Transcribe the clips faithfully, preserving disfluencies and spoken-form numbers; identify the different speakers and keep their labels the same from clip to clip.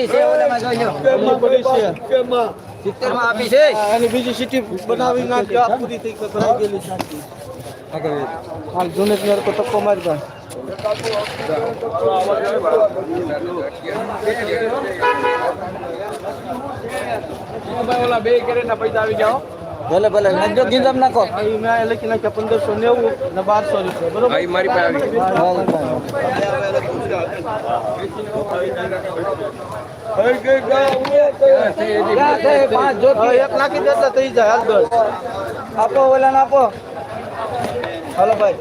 Speaker 1: પડી છે ઓલામાં જોઈ લો
Speaker 2: પડી છે કેમાં
Speaker 1: સિત્તેર માં આપી છે
Speaker 2: અને બીજી સીટી બનાવી નાખજો આ પૂરી થઈ ભરાઈ ગયેલી છે હાલ જૂને જ કો તક્કો મારી દો
Speaker 3: ઓલા બે કેરેટના પૈસા આવી જાઓ
Speaker 2: ભલે ભલે નજો ગીંદમ નાખો મેં લખી નાખ્યા પંદરસો નેવું ને બારસો રૂપિયા બરોબર
Speaker 3: ભાઈ મારી પાસે
Speaker 2: આવી એક નાખી દેતા થઈ જાય હાલ દસ આપો ઓલા આપો હાલો ભાઈ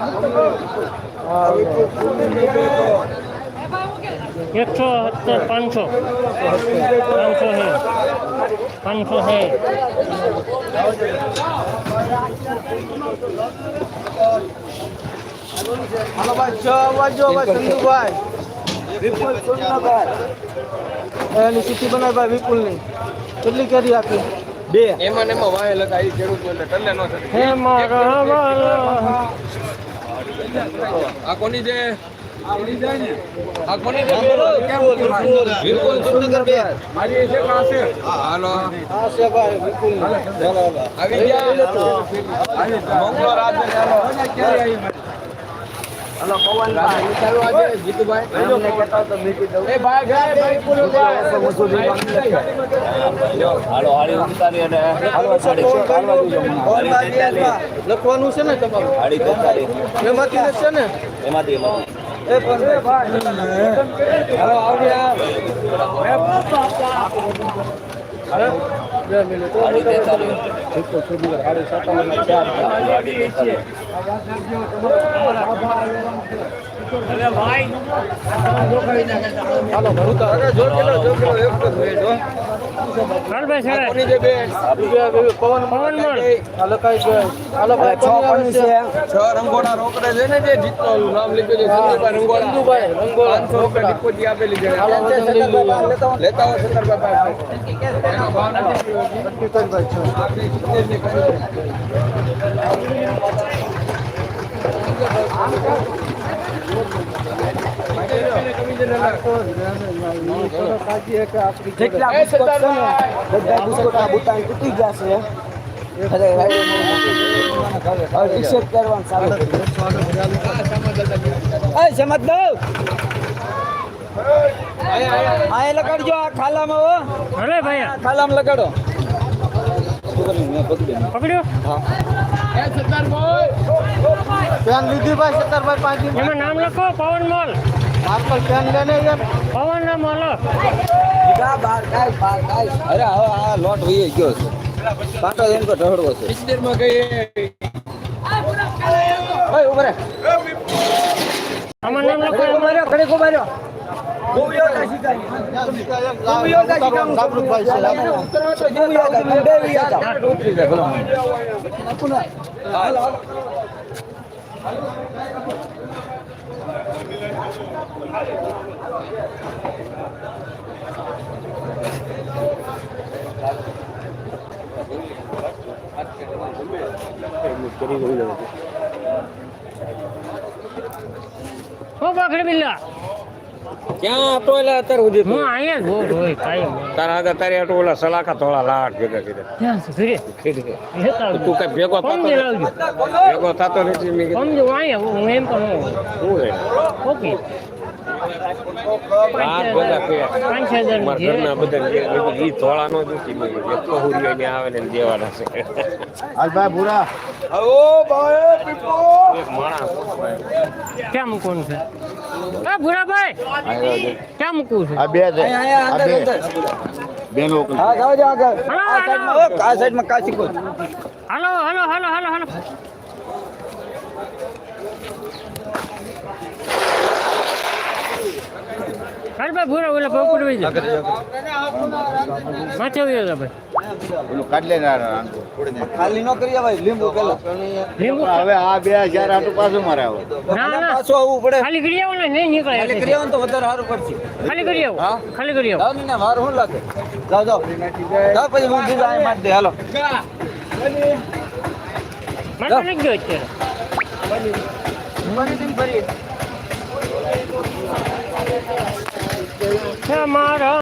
Speaker 4: એકસો સત્તર પાંચસો પાંચસો છે પાંચસો છે
Speaker 2: હાલો ભાઈ છ વાજો ભાઈ ચંદુભાઈ વિપુલ સુરનગર એની સીટી બનાવી ભાઈ વિપુલ ની કેટલી કેરી આપી બે
Speaker 3: એમાં ને એમાં વાય લગા એ ખેડૂત એટલે ટલ્લે ન થતી
Speaker 4: હે મારા
Speaker 3: આ કોની છે આ કોની છે વિપુલ સુરનગર બે મારી છે પાસે હાલો
Speaker 2: હા છે ભાઈ વિપુલ ની
Speaker 3: આવી ગયા મોકલો રાજ ને હાલો ક્યારે આવી
Speaker 2: હાલો પવનભાઈ
Speaker 3: ચાલુ આજે જીતુભાઈ
Speaker 2: અમને કહેતા તો મીઠી દઉં
Speaker 3: એ ભાઈ ભાઈ ભાઈ પૂરો
Speaker 1: હાલો હાડી ઉતારી અને હાલો સાડી
Speaker 2: લખવાનું છે ને તમારું
Speaker 1: હાડી ઉતારી
Speaker 2: એમાંથી છે ને
Speaker 1: એમાંથી
Speaker 2: એ પણ
Speaker 3: હાલો આવ્યા
Speaker 2: બે મિનિટ
Speaker 1: હાડી તેતાલીસ
Speaker 2: સાડી સત્તાવન ચાર
Speaker 1: હાડી તેતાલીસ
Speaker 2: હાલો ભરું તો જો કિલો જો કિલો એક તો ભેટ હો
Speaker 4: કાલભાઈ છે
Speaker 3: કોની છે બે
Speaker 2: પવન
Speaker 4: પવન મળ
Speaker 2: હાલો કઈ ગયો હાલો ભાઈ છ પણ છે
Speaker 3: છ રંગોળા રોકડે છે ને જે જીતનો નામ લખ્યું છે સંજુભાઈ રંગોળા
Speaker 2: ચંદુભાઈ રંગોળા
Speaker 3: પાંચસો રૂપિયા ડિપોઝિટ આપેલી છે
Speaker 2: હાલો સત્તરભાઈ
Speaker 3: લેતા હો સત્તરભાઈ એનો ભાવ નથી
Speaker 2: સત્તરભાઈ છો લગાડજો આ ખાલામાં
Speaker 4: અરે ભાઈ
Speaker 2: ખાલામાં લગાડો
Speaker 4: પકડ્યો
Speaker 2: પેન લીધી ભાઈ સત્તરભાઈ પાંચ
Speaker 4: એમાં નામ લખો પવન મોલ
Speaker 2: માર્કલ પેન લેને યાર
Speaker 4: પવન ના મોલ
Speaker 1: અરે હવે આ લોટ વહી ગયો છે પાટો એમ તો ઢળવો છે
Speaker 3: સિત્તેર માં ગઈ
Speaker 1: ઓય ઉભરે
Speaker 4: આમાં નામ લખો
Speaker 1: માર્યો ઘડી કો માર્યો
Speaker 2: જાગૃતભાઈ
Speaker 4: ઓ બાખડી બિલ્લા
Speaker 3: ક્યાં હતો એટલે અત્યારે સુધી
Speaker 4: હું અહીંયા જ હોઉં હોય કાયમ
Speaker 3: તારા આગળ તારે આટલું ઓલા સલાખા થોડા લાટ ભેગા કીધા
Speaker 4: ક્યાં છે ઘરે લેતા આવજો.
Speaker 3: તું કઈ ભેગો થતો
Speaker 4: સમજી લાવજો
Speaker 3: ભેગો થતો નથી મેં કીધું
Speaker 4: સમજો અહીંયા હું એમ પણ હોઉં.
Speaker 3: શું રે
Speaker 4: ઓકે
Speaker 3: હાથ બધા કે
Speaker 4: પાંચ હજાર ની
Speaker 3: મારા
Speaker 4: છે.
Speaker 3: ઘરના બધા જે ઈ ધોળા નો દુખી મેં કીધું એક પહોળીઓ ને આવે ને દેવાના છે
Speaker 2: ભાઈ ભૂરા
Speaker 3: એક માણસ
Speaker 4: ક્યાં મૂકવાનું છે એ ભૂરાભાઈ ક્યાં મૂકવું છે
Speaker 2: આ બે છે આ બે બેનો હા જાવ જાવ આગળ
Speaker 4: હાલો,
Speaker 2: આ સાઈડમાં આ સાઈડમાં કાચી કો
Speaker 4: હાલો હાલો હાલો હાલો હાલો હાલ ભાઈ ભૂરા ઓલા ભાવ પડવી જાય માથે આવી જાય ભાઈ
Speaker 2: ઓલું કાઢ લે ખાલી નો કરી ભાઈ લીંબુ પેલા
Speaker 4: લીંબુ
Speaker 2: હવે આ બે હજાર આટલું પાછું મારે આવો
Speaker 4: ના ના
Speaker 2: પાછું આવવું પડે
Speaker 4: ખાલી કરી આવો ને નહીં નીકળે
Speaker 2: ખાલી કરી આવો ને તો વધારે સારું પડશે
Speaker 4: ખાલી કરી આવો ખાલી કરી આવો
Speaker 2: જાવ ને વાર શું લાગે જાવ જાવ જાવ પછી હું બીજા અહીં મારી દે હાલો
Speaker 4: મારે નથી ગયો અત્યારે મારા